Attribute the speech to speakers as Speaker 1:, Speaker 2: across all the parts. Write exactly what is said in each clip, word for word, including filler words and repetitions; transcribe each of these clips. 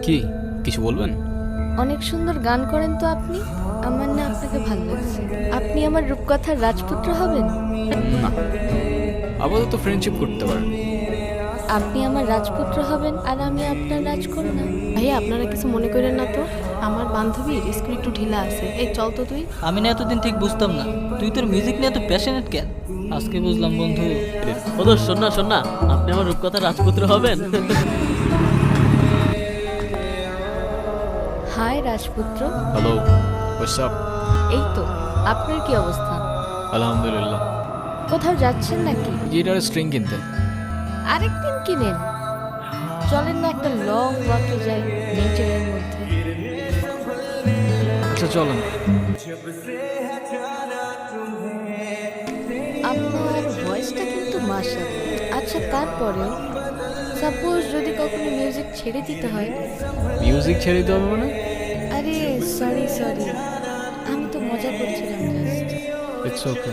Speaker 1: কি কিছু বলবেন?
Speaker 2: অনেক সুন্দর গান করেন তো আপনি। আমার না আপনাকে ভালো লাগছে। আপনি আমার রূপকথার রাজপুত্র হবেন?
Speaker 1: না, আপাতত ফ্রেন্ডশিপ করতে পারেন।
Speaker 2: আপনি আমার রাজপুত্র হবেন আর আমি আপনার রাজকন্যা।
Speaker 3: ভাইয়া আপনারা কিছু মনে করেন না তো, আমার বান্ধবীর স্কুল একটু ঢিলা আছে। এই চল তো তুই।
Speaker 4: আমি না এতদিন ঠিক বুঝতাম না তুই তোর মিউজিক নিয়ে এত প্যাশনেট কেন। আজকে বুঝলাম বন্ধু।
Speaker 5: ও দোষ, শোন না শোন না, আপনি আমার রূপকথার রাজপুত্র হবেন।
Speaker 2: হাই রাজপুত্র।
Speaker 1: Hello, what's up?
Speaker 2: এই তো, আপনার কি অবস্থা?
Speaker 1: আলহামদুলিল্লাহ।
Speaker 2: কোথাও যাচ্ছেন নাকি?
Speaker 1: গিটারের স্ট্রিং কিনতে।
Speaker 2: আরেকদিন কিনেন। চলেন না একটা লং ওয়াকে যাই নেচারের মধ্যে।
Speaker 1: আচ্ছা চলেন।
Speaker 2: আপনার ভয়েসটা কিন্তু মাশাআল্লাহ। আচ্ছা তারপরেও সাপোজ যদি কখনো মিউজিক ছেড়ে দিতে হয়?
Speaker 1: মিউজিক ছেড়ে দিতে হবে মানে?
Speaker 2: আরে সরি সরি, আমি তো মজা করছিলাম জাস্ট।
Speaker 1: It's okay.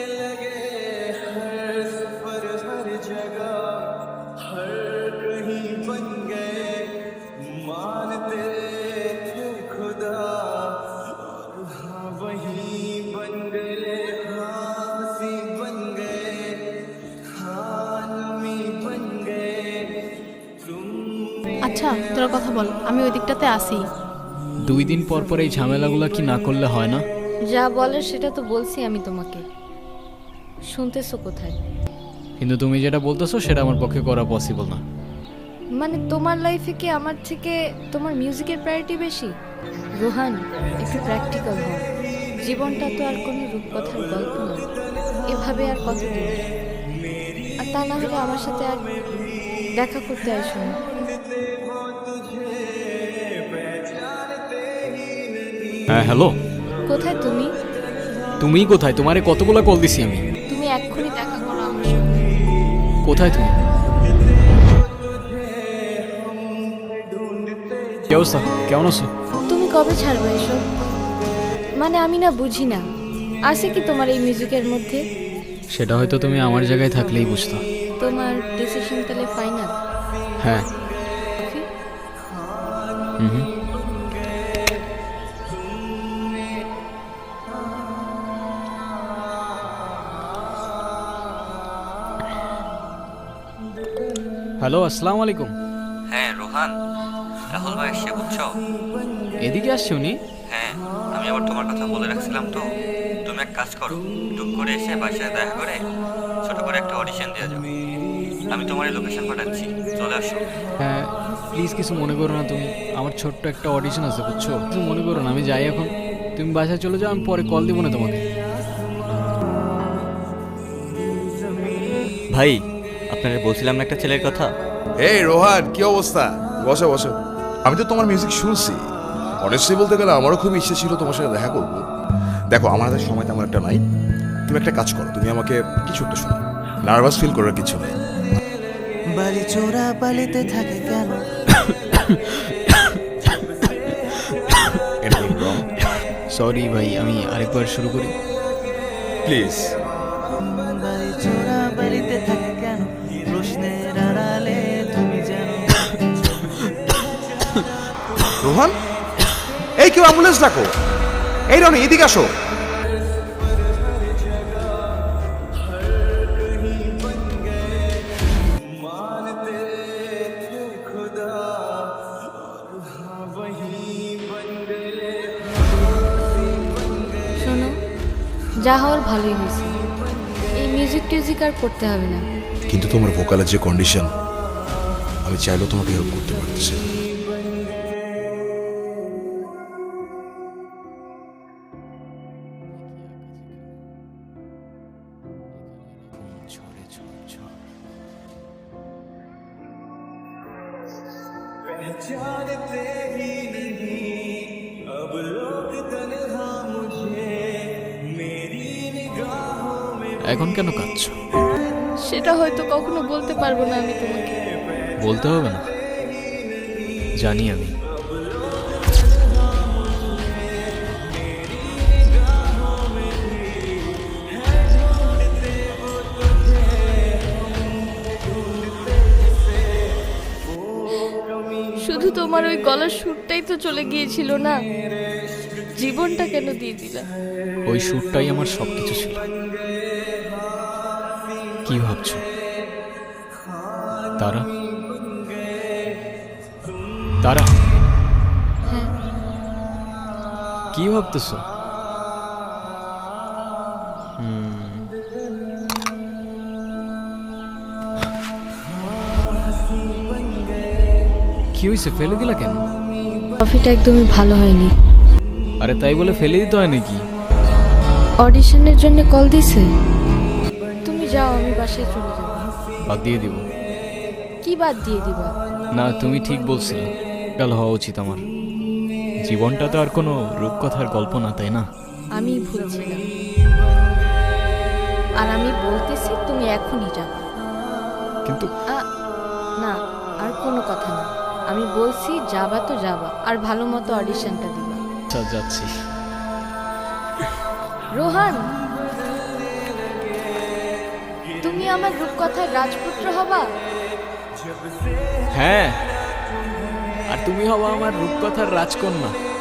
Speaker 3: আচ্ছা তোরা কথা বল, আমি ওই দিকটাতে আসি।
Speaker 1: দুই দিন পর পর এই ঝামেলাগুলো কি না করলে হয় না?
Speaker 2: যা বলার সেটা তো বলছি আমি তোমাকে, শুনতেছো কোথায়?
Speaker 1: কিন্তু তুমি যেটা বলতেছো সেটা আমার পক্ষে করা পসিবল না।
Speaker 2: মানে তোমার লাইফে কি আমার থেকে তোমার মিউজিকের প্রায়োরিটি বেশি? রোহান, একটু প্র্যাকটিক্যাল হও। জীবনটা তো আর কোনো রূপকথার গল্প না। এভাবে আর কতদিন? আর তা না হলে আমার সাথে আর দেখা করতে আসো না।
Speaker 1: হ্যাঁ হ্যালো,
Speaker 2: কোথায় তুমি?
Speaker 1: তুমি কোথায়? তোমারে কতগুলো কল দিছি আমি।
Speaker 2: তুমি এক্ষুনি দেখা করো আমার সাথে।
Speaker 1: কোথায় তুমি? কি অবস্থা, কেমন আছো?
Speaker 2: তুমি কবে ছাড়বে এসব? মানে আমি না বুঝি না, আছে কি তোমার এই মিউজিকের মধ্যে?
Speaker 1: সেটা হয়তো তুমি আমার জায়গায় থাকলেই বুঝতো।
Speaker 2: তোমার ডিসিশন তাহলে ফাইনাল?
Speaker 1: হ্যাঁ। হুম হুম। হ্যালো, আসসালামু আলাইকুম।
Speaker 6: হ্যাঁ রোহান, রাহুল ভাই এসে বুঝছো?
Speaker 1: এদিকে আসছে উনি?
Speaker 6: হ্যাঁ, আমি আবার তোমার কথা বলে রাখছিলাম তো। তুমি এক কাজ করো, টুক করে এসে বাসায় দেখা করে ছোট করে একটা অডিশন দিয়ে যাও। আমি তোমার এই লোকেশন পাঠাচ্ছি, চলে আসো।
Speaker 1: হ্যাঁ প্লিজ, কিছু মনে করো না তুমি। আমার ছোট্ট একটা অডিশন আছে বুঝছো, কিছু মনে করো না। আমি যাই এখন, তুমি বাসায় চলে যাও, আমি পরে কল দিব না তোমাকে।
Speaker 6: ভাই, আপনারা বলছিলাম না একটা ছেলের কথা।
Speaker 7: এই রোহান, কি অবস্থা? বসো বসো। আমি তো তোমার মিউজিক শুনছি। অনেস্টলি বলতে গেলে আমারও খুব ইচ্ছে ছিল তোমার সাথে দেখা করবো। দেখো আমার হাতে সময় তেমন একটা নাই। তুমি একটা কাজ করো, তুমি আমাকে কিছু একটা শোনো। নার্ভাস ফিল করার কিছু নেই।
Speaker 4: বালি চোরা বালিতে থাকে কেন?
Speaker 1: সরি ভাই, আমি আরেকবার শুরু করি
Speaker 7: প্লিজ।
Speaker 4: বালি চোরা বালিতে থাকে কেন? প্রশ্নের আড়ালে তুমি জানো।
Speaker 7: রোহান, এই কেউ অ্যাম্বুলেন্স ডাকো। এই রনি, এদিকে আসো।
Speaker 2: শোনো, যা হওয়ার ভালোই হয়েছে। এই মিউজিক টিউজিক আর করতে হবে না।
Speaker 7: কিন্তু তোমার ভোকালের যে কন্ডিশন, আমি চাইলেও তোমাকে হেল্প করতে পারতেছি না।
Speaker 1: এখন কেন কাঁদছো?
Speaker 2: সেটা হয়তো কখনো বলতে পারবো না আমি তোমাকে।
Speaker 1: বলতে হবে না, জানি আমি।
Speaker 2: শুধু শুধু তোমার ওই গলার সুরটাই তো চলে গিয়েছিল না, জীবনটা কেন দিয়ে দিলা?
Speaker 1: ওই সুরটাই আমার সব কিছু ছিল। কি ভাবছো তারা? তারা
Speaker 2: হ্যাঁ,
Speaker 1: কি ভাবতেছো? হুম, কি হয়েছে, ফেলে দিলা কেন?
Speaker 2: কফিটা একদমই ভালো হয়নি।
Speaker 1: আরে তাই বলে ফেলে দিতে হয় নাকি?
Speaker 2: অডিশনের জন্য কল দিছে। তুমি যাও, আমি বাসায় চলে যাব।
Speaker 1: বাদ দিয়ে দিব।
Speaker 2: কি বাদ দিয়ে দিবা?
Speaker 1: না, তুমি ঠিক বলছিলে, কাল হওয়া উচিত আমার। জীবনটা তো আর কোনো রূপকথার গল্প না, তাই না?
Speaker 2: আমি ভুলছিলাম। আর আমি বলতেছি তুমি এখনই যাবা।
Speaker 1: কিন্তু
Speaker 2: আ, না, আর কোনো কথা না। আমি বলছি যাবা তো যাবা, আর ভালো মতো অডিশনটা দিবা।
Speaker 1: আচ্ছা, যাচ্ছি।
Speaker 2: রোহান, তুমি আমার রূপকথার রাজপুত্র হবা।
Speaker 1: হ্যাঁ, আর তুমি হবা আমার রূপকথার রাজকন্যা।